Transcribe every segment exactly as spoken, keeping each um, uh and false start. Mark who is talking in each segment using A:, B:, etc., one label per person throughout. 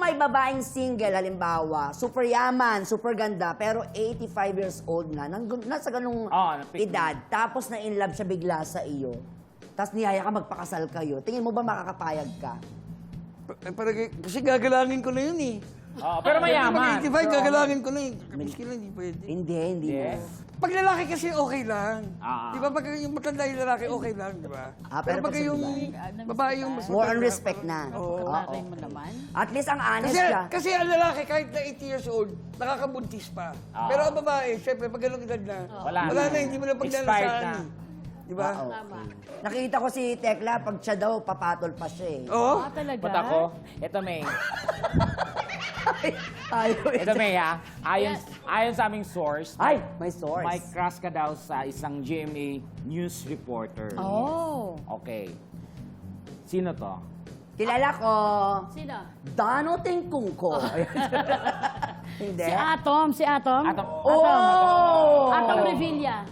A: may babaeng single, halimbawa, super yaman, super ganda, pero eighty-five years old na, nang, nasa ganung
B: Oo, napick
A: edad, tapos na in love siya bigla sa iyo, tapos niyaya ka magpakasal kayo, tingin mo ba makakapayag ka?
C: Pa- Parang, kasi gagalangin ko na yun eh.
B: Oo, pero mayaman.
C: Pag eighty-five, gagalangin ko na yun. Miski lang, hindi pwede.
A: Hindi, hindi
B: Yes.
A: mo.
C: Pag lalaki kasi okay lang.
B: Ah.
C: Di ba? Pag yung matanda yung lalaki, okay lang, di ba?
A: Ah,
C: pero,
A: pero
C: pag
A: pag sa
C: yung
A: babae,
C: babae yung mas
A: More on
C: matanda,
A: respect na.
C: Oo.
D: Kapatay mo naman.
A: At least ang honest
C: Kasi,
A: ka.
C: kasi ang lalaki, kahit na eighty years old, nakakabuntis pa.
B: Ah.
C: Pero ang babae, syempre, pag ganun edad na,
B: Wala
C: wala
B: na.
C: na, hindi mo na
B: Expired
C: paglalasaan.
B: na.
C: eh. Di ba?
A: Ah,
D: Tama.
A: Nakita ko si Tekla, pag siya daw, papatol pa siya eh.
C: Oo.
D: Ah, talaga?
B: Ba't ako? Ito, May.
A: Tayo
B: Ito, May, ha? Ayon, ayon sa aming source,
A: Ay, may source.
B: may crush ka daw sa isang G M A news reporter.
D: Oh.
B: Okay. Sino to?
A: Kilala ko,
D: Sino?
A: Dano Tingkungko. Hindi.
D: Si Atom, si Atom.
B: Atom.
A: Oh!
D: Atom Revilla.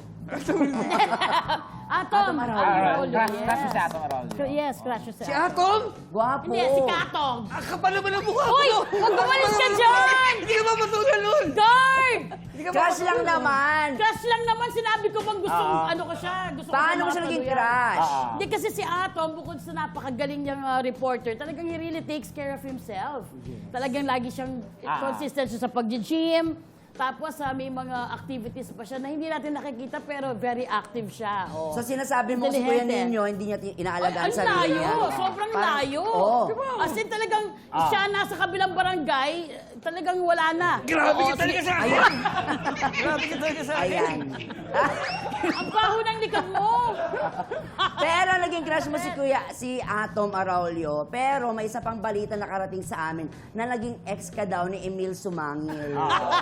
D: Atom.
A: Atom
D: Atom
A: Araujo.
D: Araujo,
B: Crush,
D: yes.
B: crush mo si Atom Araujo.
D: Yes, crush mo si
C: Si
D: Atom.
C: Atom?
A: Gwapo.
D: Hindi, si Katong.
C: Ang kapal naman ang mukha
D: Uy!
C: mo.
D: Huwag umalis ka dyan!
C: Hindi ka mapatulan nun.
D: Guard!
C: Hindi ka
A: Crush lang
C: mapatulan.
A: naman.
D: Crush lang naman, sinabi ko bang gusto
B: Ah.
D: ano ko siya. Gusto ko
A: Paano mo siya
D: siya
A: naging
D: mapatuloy.
A: crush?
B: Ah.
D: Hindi kasi si Atom, bukod sa napakagaling niyang uh, reporter, talagang he really takes care of himself. Talagang lagi siyang
B: Ah.
D: consistent siya sa pag-gym. Tapos uh, may mga activities pa siya na hindi natin nakikita pero very active siya. Oh.
A: So sinasabi mo si Kuya
D: Inteligente.
A: Ninyo, hindi niya ti-
D: Ay,
A: inaalagaan
D: ang
A: sa sarili
D: layo.
A: niya.
D: Sobrang
A: Parang-
D: layo.
A: Oo.
D: As in talagang
B: Ah.
D: siya nasa kabilang barangay, talagang wala na.
C: Grabe
D: Oo,
C: ka talaga
D: sige.
C: sa akin. Grabe ka talaga sa akin.
A: Ayan.
D: Ang baho ng likod mo.
A: Pero naging crush mo si Kuya, si Atom Araulio. Pero may isa pang balita nakarating sa amin na naging ex ka daw ni Emil Sumangil.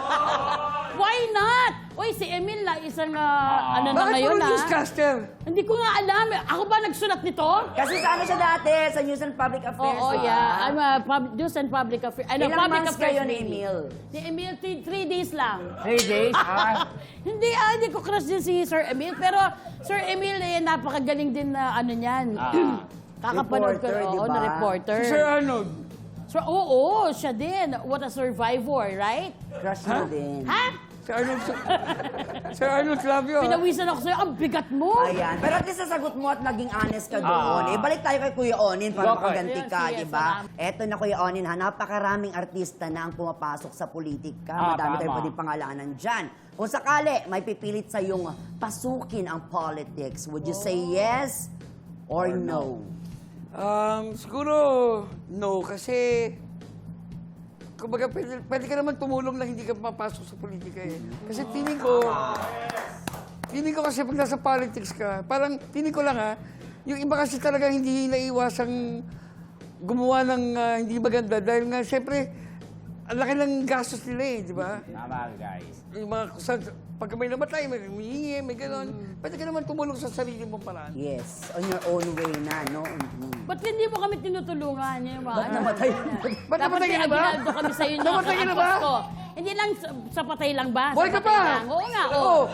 D: Why not? Uy, si Emil na isang ah, ano na
C: Bakit
D: ngayon
C: puro
D: ah.
C: newscaster?
D: Hindi ko nga alam. Ako ba nagsulat nito?
A: Kasi sa ano siya dati, sa News and Public Affairs.
D: Oo,
A: di ba?
D: yeah. I'm a pub- news and public affairs. Ano,
A: Ilang
D: public
A: months
D: affairs
A: kayo ni
D: lady.
A: Emil?
D: Ni Emil, three, three days lang.
B: Three days? Ah.
D: Hindi, ah, hindi ko crush din si Sir Emil. Pero Sir Emil, eh, napakagaling din na ano niyan.
B: Ah.
D: Kakapanood ko,
A: Reporter, di
D: oo,
A: ba?
D: na reporter.
C: Si Sir Arnold.
D: So, oo, siya din. What a survivor, right?
A: Crush mo din.
D: Ha?
C: Si Arnold. Sir Arnold Flavio. ah.
D: Pinawisan ako sa'yo. Ang bigat mo.
A: Ayan. Pero at least nasagot mo at naging honest ka
B: Ah.
A: doon. Eh, balik tayo kay Kuya Onin para
B: Okay.
A: makaganti ka,
D: Yes,
A: di
D: yes,
A: ba?
D: salamat.
A: Eto na Kuya Onin ha, napakaraming artista na ang pumapasok sa politika.
B: Ah,
A: Madami tayong
B: tama.
A: pwedeng pangalanan dyan. Kung sakali, may pipilit sa yung pasukin ang politics. Would you say yes or, no?
C: Um, siguro, no. Kasi, kumbaga, pwede, pwede ka naman tumulong na hindi ka mapasok sa politika eh. Kasi feeling ko, feeling ko kasi pag nasa politics ka, parang feeling ko lang ha, yung iba kasi talaga hindi naiwasang gumawa ng ah, hindi maganda dahil nga siyempre, ang laki ng gastos nila eh, di ba?
B: Tama, guys.
C: Yung mga, sa, pag may namatay, may humihingi, may gano'n. Pwede ka naman tumulong sa sarili mong paraan.
A: Yes, on your own way na, no? Mhm.
D: Ba't hindi mo kami tinutulungan? Yung mga,
A: Ba't namatay?
C: Ba't
D: Dapat
C: namatay ka na ba?
D: pinaginaldo kami sa inyo.
C: Namatay ka na ba?
D: Ko. Hindi lang sa, sa patay lang ba?
C: Buhay
D: Sa
C: ka
D: patay
C: pa!
D: lang. Oo nga, oo.
C: Oo.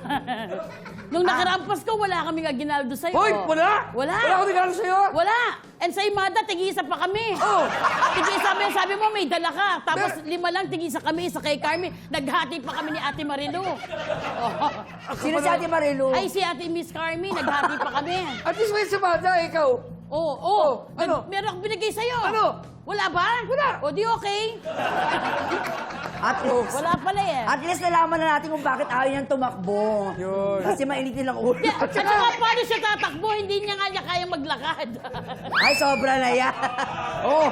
D: Nung nakaraampas ko, wala kaming aginaldo sa'yo.
C: Hoy, wala?
D: Wala.
C: Wala akong regalo sa'yo?
D: Wala. And sa Imada, tig-isa pa kami.
C: Oo.
D: Tig-isa mo, sabi mo, may dala ka. Tapos
C: Mer-
D: lima lang, tig-isa kami, isa kay Carmi. Naghati pa kami ni Ate Marilu. Oh.
A: Sino si Ate Marilu?
D: Ay, si Ate Miss Carmi, naghati pa kami.
C: At least may sabada, ikaw.
D: Oo, oh, oo.
C: Oh, ano?
D: Meron akong binigay sa'yo.
C: Ano?
D: Wala ba?
C: Wala.
D: O di okay?
A: At least,
D: Wala pala eh.
A: at least nalaman na natin kung bakit ayaw niyang tumakbo.
C: Yun.
A: Kasi mainit nilang ulo.
D: Di- At saka paano siya tatakbo? Hindi niya nga niya kayang maglakad.
A: Ay, sobra na yan. Oh.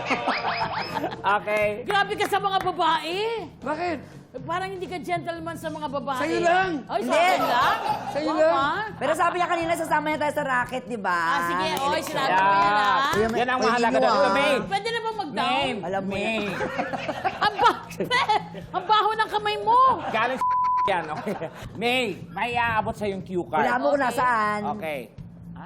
B: Okay.
D: Grabe ka sa mga babae.
C: Bakit?
D: Parang hindi ka gentleman sa mga babae.
C: Sa'yo lang.
D: Ay, sa
A: Hindi.
D: akin lang?
C: Sa'yo
D: Oo,
C: lang.
D: ah.
A: Pero sabi niya kanina, sasama niya tayo sa racket, di ba?
D: Ah, sige.
A: Ng
D: Oy,
A: eleksyon.
D: sinabi mo yan, ah.
A: Kuya, may-
B: Yan ang
A: Kuya
B: mahalaga
A: Gino,
B: doon.
A: ah.
B: May.
D: Pwede na ba mag-down?
B: May.
A: Alam mo
B: May.
D: Ang baho, ang baho ng kamay mo.
B: Galing yan, okay. May, may aabot sa yung cue card.
A: Wala mo kung nasaan.
B: Okay. Ha?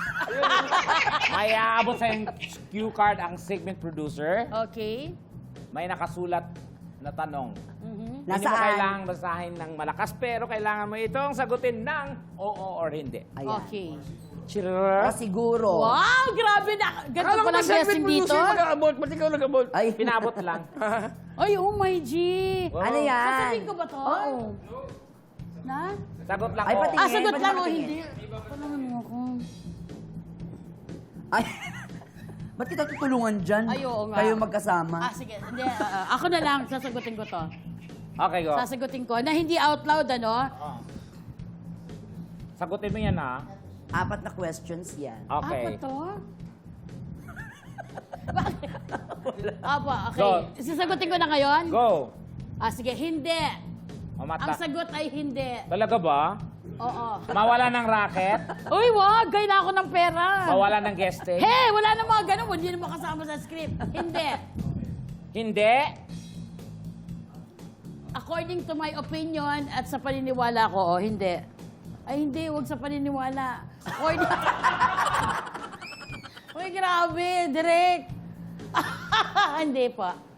B: May aabot sa yung cue card ang segment producer.
D: Okay.
B: May nakasulat na tanong.
D: Mhm.
B: Hindi mo
A: Nasaan?
B: kailangang basahin ng malakas, pero kailangan mo itong sagutin ng oo or hindi.
A: Ayan.
D: Okay.
B: Chirrrr.
A: O siguro.
D: Wow, grabe na. Ganito
C: Akala ko
D: palang
C: ba segment
D: guessing dito.
C: producer mag-aabot? Ba't ikaw nag-abot?
A: Ay,
B: Pinabot lang.
D: Ay, oh my G.
B: Wow.
A: ano yan?
D: Sasabihin ko ba to?
A: Oo.
D: Na?
B: Sagot lang
A: Ay,
B: ko.
A: pati-
D: Ah,
A: Tingin,
D: sagot
A: ba't
D: lang o
A: nakatingin?
D: hindi? Palangan mo ako.
A: Ay, ba't kita tutulungan dyan?
D: Ay, oo nga.
A: Kayo magkasama.
D: Ah, sige. Hindi, ah, ah, ako na lang. Sasagutin ko to.
B: Okay, go.
D: Sasagutin ko. Na hindi out loud, ano?
B: Oh. Sagutin mo yan, ha?
A: Apat na questions yan.
B: Okay.
D: Ako to? Bakit? Apa, okay.
B: Go.
D: Sasagutin ko na ngayon?
B: Go.
D: Ah, sige. Hindi. Ang
B: Mamata.
D: sagot ay hindi.
B: Talaga ba?
D: Oo.
B: Mawala ng racket?
D: Uy, wag. Kailangan ko ng pera.
B: Mawala ng guesting?
D: Hey, wala na mga ganun. Hindi naman kasama sa script. Hindi.
B: Hindi?
D: According to my opinion at sa paniniwala ko, oh, hindi. Ay, hindi. Huwag sa paniniwala. According... Uy, grabe. Direct. Hindi pa.